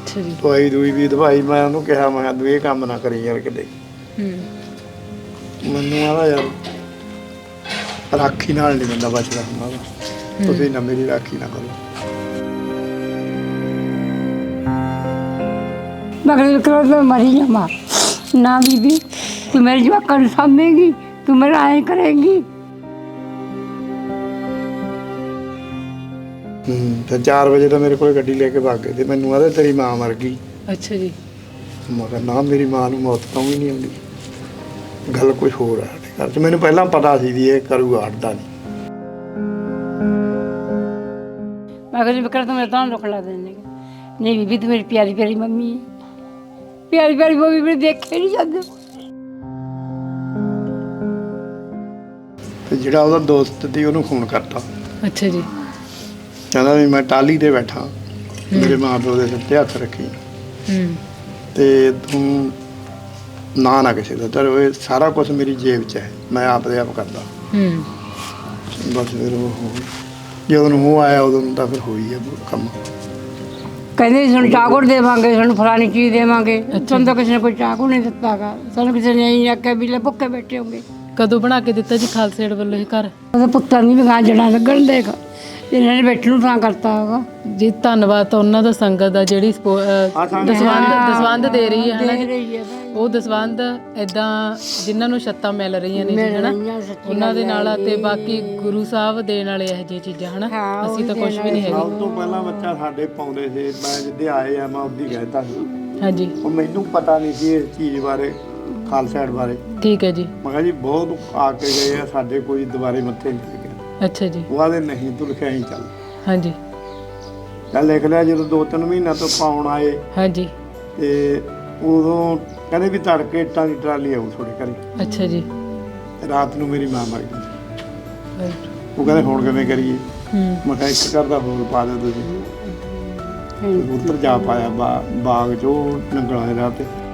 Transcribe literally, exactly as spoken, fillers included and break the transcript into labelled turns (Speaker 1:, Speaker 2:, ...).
Speaker 1: ਅੱਛਾ ਜੀ।
Speaker 2: ਦਵਾਈ ਦੂਈ ਵੀ ਦਵਾਈ ਮੈਂ ਉਹਨੂੰ ਕਿਹਾ ਮੈਂ ਕਿਹਾ ਤੂੰ ਇਹ ਕੰਮ ਨਾ ਕਰੀ ਯਾਰ ਕਿਤੇ।
Speaker 1: ਹੂੰ
Speaker 2: ਮੈਨੂੰ ਆਦਾ ਯਾਰ ਰਾਖੀ ਨਾਲ ਨਹੀਂ ਬੰਦਾ ਬਚਦਾ ਹੁੰਦਾ ਗਾ। ਤੁਸੀਂ ਨਾ ਮੇਰੀ ਰਾਖੀ ਨਾ ਕਰੋ।
Speaker 3: मगर करो तो मरी जावा ना बीबी तू मेरे जवाक सामेगी तू मेरा आए करेगी।
Speaker 2: हूँ फिर चार बजे तो मेरे को गड्डी लेके भाग गए थे। मैनू आदे तेरी माँ मर गई।
Speaker 1: ਅੱਛਾ ਜੀ।
Speaker 2: मैं कहा ना मेरी माँ नूं मौत तो भी नहीं आती। गल कुछ होर है साडे घर च। मैनू पहलां पता सी भी ये करूगा हटदा नहीं।
Speaker 3: मगर विक्र तो मेरे तो रुक ला देने नहीं बीबी तू मेरी प्यारी प्यारी मम्मी है प्यारी प्यारी मम्मी मेरे देखे नहीं जाते।
Speaker 2: ਤੇ ਜਿਹੜਾ ਉਹਦਾ ਦੋਸਤ ਸੀ ਉਹਨੂੰ ਫੋਨ ਕਰਤਾ।
Speaker 1: ਅੱਛਾ ਜੀ।
Speaker 2: ਕਹਿੰਦਾ ਵੀ ਮੈਂ ਟਾਲੀ ਤੇ ਬੈਠਾ ਮੇਰੇ ਮਾਂ ਪਿਓ ਦੇ ਸਿਰ ਤੇ ਹੱਥ ਰੱਖੀ
Speaker 1: ਹੂੰ
Speaker 2: ਤੇ ਤੂੰ ਨਾ ਨਾ ਕਿਸੇ ਦਾ ਤੇਰੇ ਇਹ ਸਾਰਾ ਕੁਝ ਮੇਰੀ ਜੇਬ 'ਚ ਹੈ ਮੈਂ ਆਪ ਦੇ ਆਪ ਕਰਦਾ।
Speaker 1: ਹੂੰ
Speaker 2: ਬਸ ਫਿਰ ਉਹ ਜਦੋਂ ਨੂੰ ਉਹ ਆਇਆ ਉਦੋਂ ਤਾਂ ਫਿਰ ਹੋਈ ਹੈ ਕੰਮ।
Speaker 3: ਕਹਿੰਦੇ ਸਾਨੂੰ ਚਾਕੂ ਦੇਵਾਂਗੇ ਸਾਨੂੰ ਫਲਾਣੀ ਚੀਜ਼ ਦੇਵਾਂਗੇ ਸਾਨੂੰ ਤਾਂ ਕਿਸੇ ਨੇ ਕੋਈ ਚਾਕੂ ਨਹੀਂ ਦਿੱਤਾਗਾ ਸਾਨੂੰ ਕਿਸੇ ਨੇ ਨਹੀਂ ਆਖਿਆ ਵੀ ਲੈ ਭੁੱਖੇ ਬੈਠੇ ਹੋਗੇ।
Speaker 1: ਕਦੋਂ ਬਣਾ ਕੇ ਦਿੱਤਾ ਜੀ ਖਾਲਸਾ ਏਡ ਵੱਲੋਂ ਇਹ ਘਰ?
Speaker 3: ਉਹਦੇ ਪੁੱਤਾਂ ਦੀ ਵੀ ਗਾਂ ਜੜਾਂ ਲੱਗਣ ਦੇਗਾ ਇਹਨਾਂ ਨੇ ਬੈਠਣ ਨੂੰ ਤਾਂ ਕਰਤਾ ਹੋਗਾ।
Speaker 1: ਜੀ ਧੰਨਵਾਦ ਤਾਂ ਉਹਨਾਂ ਦਾ ਸੰਗਤ ਦਾ ਜਿਹੜੀ ਸਪੋ- ਅਹ ਦਸਵੰਧ ਦਸਵੰਧ ਦੇ ਰਹੀ ਹੈ ਹਨਾ
Speaker 3: ਦੇ
Speaker 1: ਜੀ।
Speaker 3: ਰਹੀ ਹੈ ਭਾਈ
Speaker 1: ਉਹ ਦਸਵੰਧ ਇਦਾਂ ਜਿਨ੍ਹਾਂ ਨੂੰ ਛੱਤਾਂ ਮਿਲ ਰਹੀਆਂ ਨੇ ਜੀ ਹਨਾ
Speaker 3: ਰਹੀਆਂ ਸੱਚੀ
Speaker 1: ਉਹਨਾਂ ਦੇ ਨਾਲ ਤੇ ਬਾਕੀ ਗੁਰੂ ਸਾਹਿਬ ਦੇਣ ਵਾਲੇ ਇਹੋ ਜਿਹੀਆਂ ਚੀਜ਼ਾਂ ਹਨਾ
Speaker 3: ਹਾਂ,
Speaker 1: ਅਸੀਂ ਤਾਂ ਕੁਝ ਵੀ ਨਹੀਂ ਹੈਗੇ।
Speaker 2: ਸਭ ਤੋਂ ਪਹਿਲਾਂ ਬੱਚਾ ਸਾਡੇ ਪਾਉਂਦੇ ਸੀ ਮੈਂ ਜਿੱਦੇ ਆਏ ਆ ਮੈਂ ਉਹਦੀ ਕਹਿਤਾ ਸੀ।
Speaker 1: ਹਾਂਜੀ
Speaker 2: ਉਹ ਮੈਨੂੰ ਪਤਾ ਨਹੀਂ ਸੀ ਇਸ ਚੀਜ਼ ਬਾਰੇ ਖਾਲਸਾ ਏਡ ਬਾਰੇ।
Speaker 1: ਠੀਕ ਹੈ ਜੀ।
Speaker 2: ਮੈਂ ਕਿਹਾ ਜੀ ਬਹੁਤ ਆ ਕੇ ਗਏ ਆ ਸਾਡੇ ਕੋਈ ਦੁਬਾਰੇ ਮੱਥੇ ਨਹੀਂ ਲੱਗਿਆ।
Speaker 1: ਅੱਛਾ ਜੀ।
Speaker 2: ਉਹ ਆਦੇ ਨਹੀਂ ਤੂੰ ਲਿਖਿਆ ਹੀ ਚੱਲ
Speaker 1: ਹਾਂਜੀ
Speaker 2: ਚੱਲ ਲਿਖ ਲਿਆ। ਜਦੋਂ ਦੋ ਤਿੰਨ ਮਹੀਨਾ ਤੋਂ ਪਾਉਣ ਆਏ
Speaker 1: ਹਾਂਜੀ।
Speaker 2: ਤੇ ਉਦੋਂ ਕਹਿੰਦੇ ਵੀ ਤੜਕੇ ਇੱਟਾਂ ਦੀ ਟਰਾਲੀ ਆਊ ਤੁਹਾਡੇ ਘਰੇ।
Speaker 1: ਅੱਛਾ ਜੀ।
Speaker 2: ਰਾਤ ਨੂੰ ਮੇਰੀ ਮਾਂ ਮਰ ਗਈ।
Speaker 1: Right.
Speaker 2: ਉਹ ਕਹਿੰਦੇ ਹੁਣ ਕਿਵੇਂ ਕਰੀਏ?
Speaker 1: ਹੂੰ
Speaker 2: ਮੈਂ ਕਿਹਾ ਇੱਕ ਘਰ ਦਾ ਹੋਰ ਪਾ ਦਿਓ ਤੁਸੀਂ। ਉੱਧਰ ਜਾ ਪਾਇਆ ਬਾ- ਬਾਗ 'ਚ ਉਹ ਨੰਗਲਾਂ ਦੇ ਰਾਹ ਤੇ।